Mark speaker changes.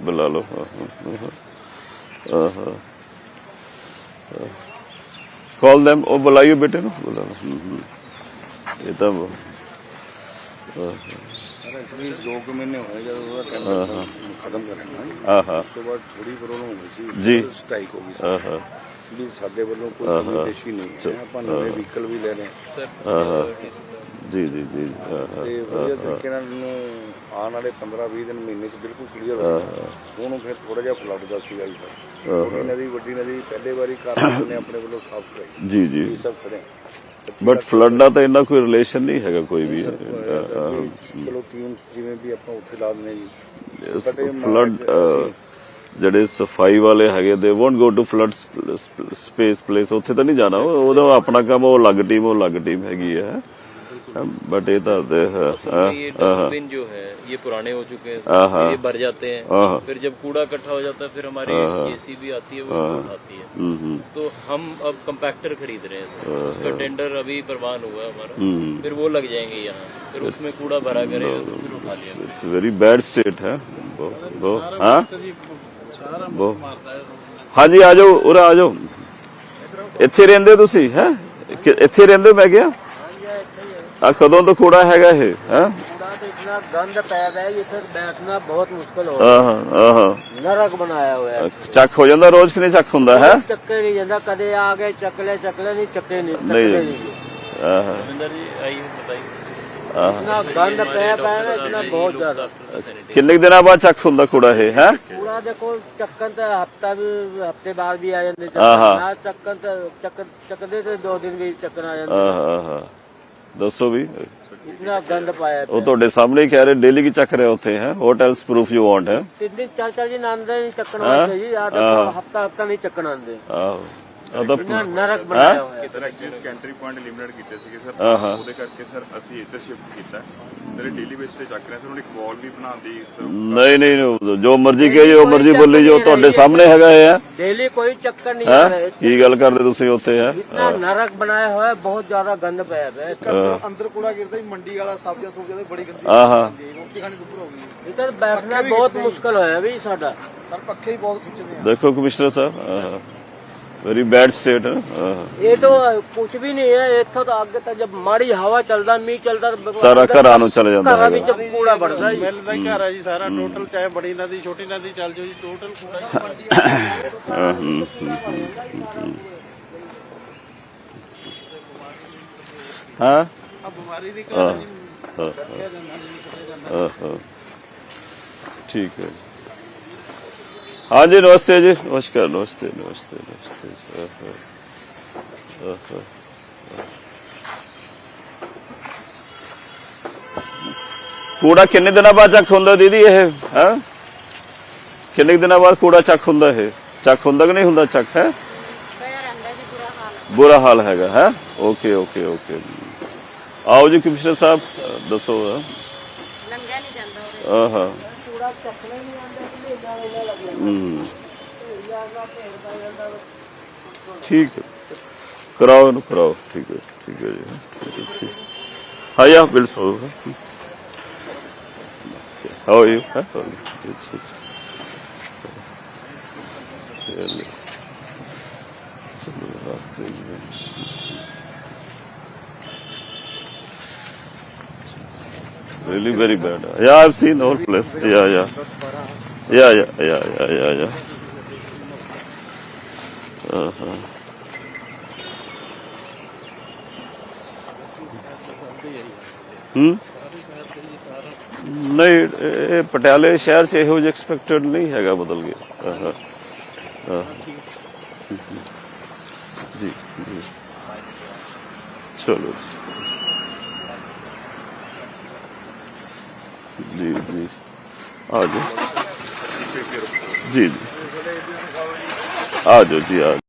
Speaker 1: बुला लो। Call them, वो बुलाइए बेटे नु, बुला लो। ये तो
Speaker 2: एक्चुअली 2 महीने हो गए जब ਉਹਦਾ ਟੈਂਡਰ ਖਤਮ ਕਰਨਾ ਉਸ ਤੋਂ ਬਾਅਦ ਥੋੜੀ ਪ੍ਰੋਬਲਮ ਹੋ ਗਈ ਸੀ
Speaker 1: ਜੀ
Speaker 2: ਸਟ੍ਰਾਈਕ ਹੋ ਗਈ ਸੀ ਵੀ ਸਾਡੇ ਵੱਲੋਂ ਕੋਈ ਕਮਿਊਨੀਕੇਸ਼ਨ ਨਹੀਂ ਹੈ ਆਪਾਂ ਨਵੇਂ ਵਹੀਕਲ ਵੀ ਲੈ ਰਹੇ ਹਾਂ
Speaker 1: ਜੀ ਜੀ ਜੀ
Speaker 2: ਤੇ ਵਧੀਆ ਤਰੀਕੇ ਨਾਲ ਆਉਣ ਵਾਲੇ 15-20 ਦਿਨ ਮਹੀਨੇ ਚ ਬਿਲਕੁਲ ਕਲੀਅਰ ਹੋ ਜਾਣਾ ਉਹਨੂੰ ਫਿਰ ਥੋੜਾ ਜਿਹਾ ਫਲੱਡ ਦਾ ਸੀਗਾ ਜੀ ਸਰ ਛੋਟੀ ਨਦੀ ਵੱਡੀ ਨਦੀ ਪਹਿਲੇ ਵਾਰੀ ਕਾਰਨ ਨੇ ਆਪਣੇ ਵੱਲੋਂ ਸਾਫ਼ ਕਰਾਈ
Speaker 1: ਜੀ ਜੀ
Speaker 2: ਇਹ ਸਭ ਖੜੇ
Speaker 1: ਬਟ ਫਲੱਡ ਦਾ ਤਾਂ ਇੰਨਾ ਕੋਈ ਰਿਲੇਸ਼ਨ ਨਹੀਂ ਹੈਗਾ ਕੋਈ ਵੀ
Speaker 2: ਚਲੋ ਟੀਮ ਜਿਵੇਂ ਵੀ ਆਪਾਂ ਉੱਥੇ ਲਾ ਦਿੰਦੇ ਜੀ
Speaker 1: ਫਲੱਡ ਜਿਹੜੇ ਸਫਾਈ ਵਾਲੇ ਹੈਗੇ they won't go to flood space place ਉੱਥੇ ਤਾਂ ਨਹੀਂ ਜਾਣਾ ਉਹਦਾ ਆਪਣਾ ਕੰਮ ਉਹ ਅਲੱਗ ਟੀਮ ਹੈਗੀ ਹੈ बट ये तो
Speaker 3: ये डस्टबिन जो है ये पुराने हो चुके हैं ये भर जाते हैं फिर जब कूड़ा इकट्ठा हो जाता है फिर हमारी जेसीबी आती है वो उठाती है तो हम अब कंपैक्टर खरीद रहे हैं उसका टेंडर अभी प्रवान हुआ है हमारा फिर वो लग जाएंगे यहाँ फिर उसमें कूड़ा भरा करेगा तो फिर उठा लिया
Speaker 1: वेरी बैड स्टेट है हाँ जी आ जाओ उरा आ जाओ ਇੱਥੇ ਰਹਿੰਦੇ ਤੁਸੀਂ ਹੈ ਇੱਥੇ ਰਹਿੰਦੇ ਮੈਂ ਗਿਆ ਆ ਕਦੋਂ ਤੋਂ ਕੂੜਾ ਹੈਗਾ ਇਹ ਹੈ
Speaker 4: कूड़ा तो इतना गंद पैदा है ये फिर बैठना बहुत मुश्किल हो रहा है नरक बनाया हुआ है
Speaker 1: ਚੱਕ ਹੋ ਜਾਂਦਾ ਰੋਜ਼ ਕਿ ਨਹੀਂ ਚੱਕ ਹੁੰਦਾ ਹੈ
Speaker 4: ਚੱਕੇ ਨਹੀਂ ਜਾਂਦਾ ਕਦੇ ਆ ਗਏ ਚੱਕਲੇ ਨਹੀਂ ਚੱਕੇ ਨਹੀਂ
Speaker 3: रविंदर जी आइए बताइए
Speaker 4: इतना गंद पैदा है इतना बहुत ज्यादा
Speaker 1: ਕਿੰਨੇ ਕੁ ਦਿਨਾਂ ਬਾਅਦ ਚੱਕ ਹੁੰਦਾ ਕੂੜਾ ਇਹ ਹੈ
Speaker 4: कूड़ा देखो चक्कन तो हफ्ते बाद भी आ जाते चक्कदे तो 2 दिन भी चक्कन आ जाते
Speaker 1: ਦੱਸੋ ਵੀ
Speaker 4: इतना गंद पाया
Speaker 1: ਉਹ ਤੁਹਾਡੇ ਸਾਹਮਣੇ ਹੀ ਕਹਿ ਰਹੇ ਡੇਲੀ ਕੀ ਚੱਕ ਰਹੇ ਉੱਥੇ ਹੈ what else proof you want ਹੈ
Speaker 4: 3 दिन 4 दिन आंदे नहीं चक्कन आते जी हफ्ता नहीं चक्कन आंदे
Speaker 1: ਆਹੋ ਉਹਦਾ
Speaker 4: इतना नरक बनाया हुआ है
Speaker 5: sir actually sanitary point limited ਕੀਤੇ ਸੀਗੇ ਸਰ ਉਹਦੇ ਕਰਕੇ ਸਰ ਅਸੀਂ ਇੱਧਰ ਸ਼ਿਫਟ ਕੀਤਾ ਸਰ ਡੇਲੀ ਬੇਸ ਤੇ ਚੱਕ ਰਹੇ ਸਰ ਹੁਣ ਇੱਕ ਵਾਲ ਵੀ ਬਣਾਉਂਦੀ
Speaker 1: ਨਹੀਂ ਜੋ ਮਰਜ਼ੀ ਕਹੇ ਜੋ ਮਰਜ਼ੀ ਬੋਲੀ ਜੋ ਤੁਹਾਡੇ ਸਾਹਮਣੇ ਹੈਗਾ ਹੈ
Speaker 4: डेली कोई चक्कर नहीं आ रहा है
Speaker 1: ਕੀ ਗੱਲ ਕਰਦੇ ਤੁਸੀਂ ਉੱਥੇ ਹੈ
Speaker 4: इतना नरक बनाया हुआ है बहुत ज्यादा गंद पाया है
Speaker 2: ਅੰਦਰ ਕੂੜਾ ਗਿਰਦਾ ਹੀ ਮੰਡੀ ਵਾਲਾ ਸਬਜ਼ੀਆਂ ਸੁਬਜ਼ੀਆਂ ਬੜੀ ਗੰਦੀ ਰੋਟੀ ਖਾਣੀ ਦੁੱਧ ਹੋ ਗਈ
Speaker 4: इधर बैठना बहुत मुश्किल होया भी साडा
Speaker 2: ਸਰ ਪੱਖੇ ਹੀ ਬਹੁਤ ਖਿੱਚਦੇ ਆ
Speaker 1: ਦੇਖੋ ਕਮਿਸ਼ਨਰ ਸਾਹਿਬ वेरी बैड स्टेट है
Speaker 4: ये तो कुछ भी नहीं है इतो तो आगे तक जब माड़ी हवा चलता मीह चलता
Speaker 1: सारा घरां नूं चले जांदा
Speaker 4: घरां विच कूड़ा बढ़दा जी
Speaker 2: ਮਿਲਦਾ ਹੀ ਘਰ ਆ ਜੀ ਸਾਰਾ ਟੋਟਲ ਚਾਹੇ ਬੜੀ ਨਦੀ ਛੋਟੀ ਨਦੀ ਚੱਲ ਜਾਓ ਜੀ ਟੋਟਲ ਕੂੜਾ
Speaker 1: हाँ
Speaker 2: ਆ ਬਿਮਾਰੀ ਦੀ
Speaker 1: ठीक है हाँ जी नमस्ते जी नमस्कार नमस्ते नमस्ते नमस्ते कूड़ा किन्ने दिनों बाद चक हुंदा दीदी ये है किन्ने दिनों बाद कूड़ा चक हुंदा है चक हुंदा कि नहीं हुंदा चक है बुरा हाल हैगा है ओके ओके ओके आओ जी कमिश्नर साहब दसो हाँ ठीक है कराओ ना कराओ ठीक है जी ठीक है ठीक हाँ या बिल्कुल हाउ यू रास्ते really very bad yeah I've seen all place yeah नहीं ਇਹ ਪਟਿਆਲੇ ਸ਼ਹਿਰ ਚ ਇਹੋ ਜਿਹਾ ਐਕਸਪੈਕਟਡ ਨਹੀਂ ਹੈਗਾ ਬਦਲ ਗਿਆ ਜੀ ਜੀ ਚਲੋ जी जी आ जाओ जी जी आ जाओ जी आ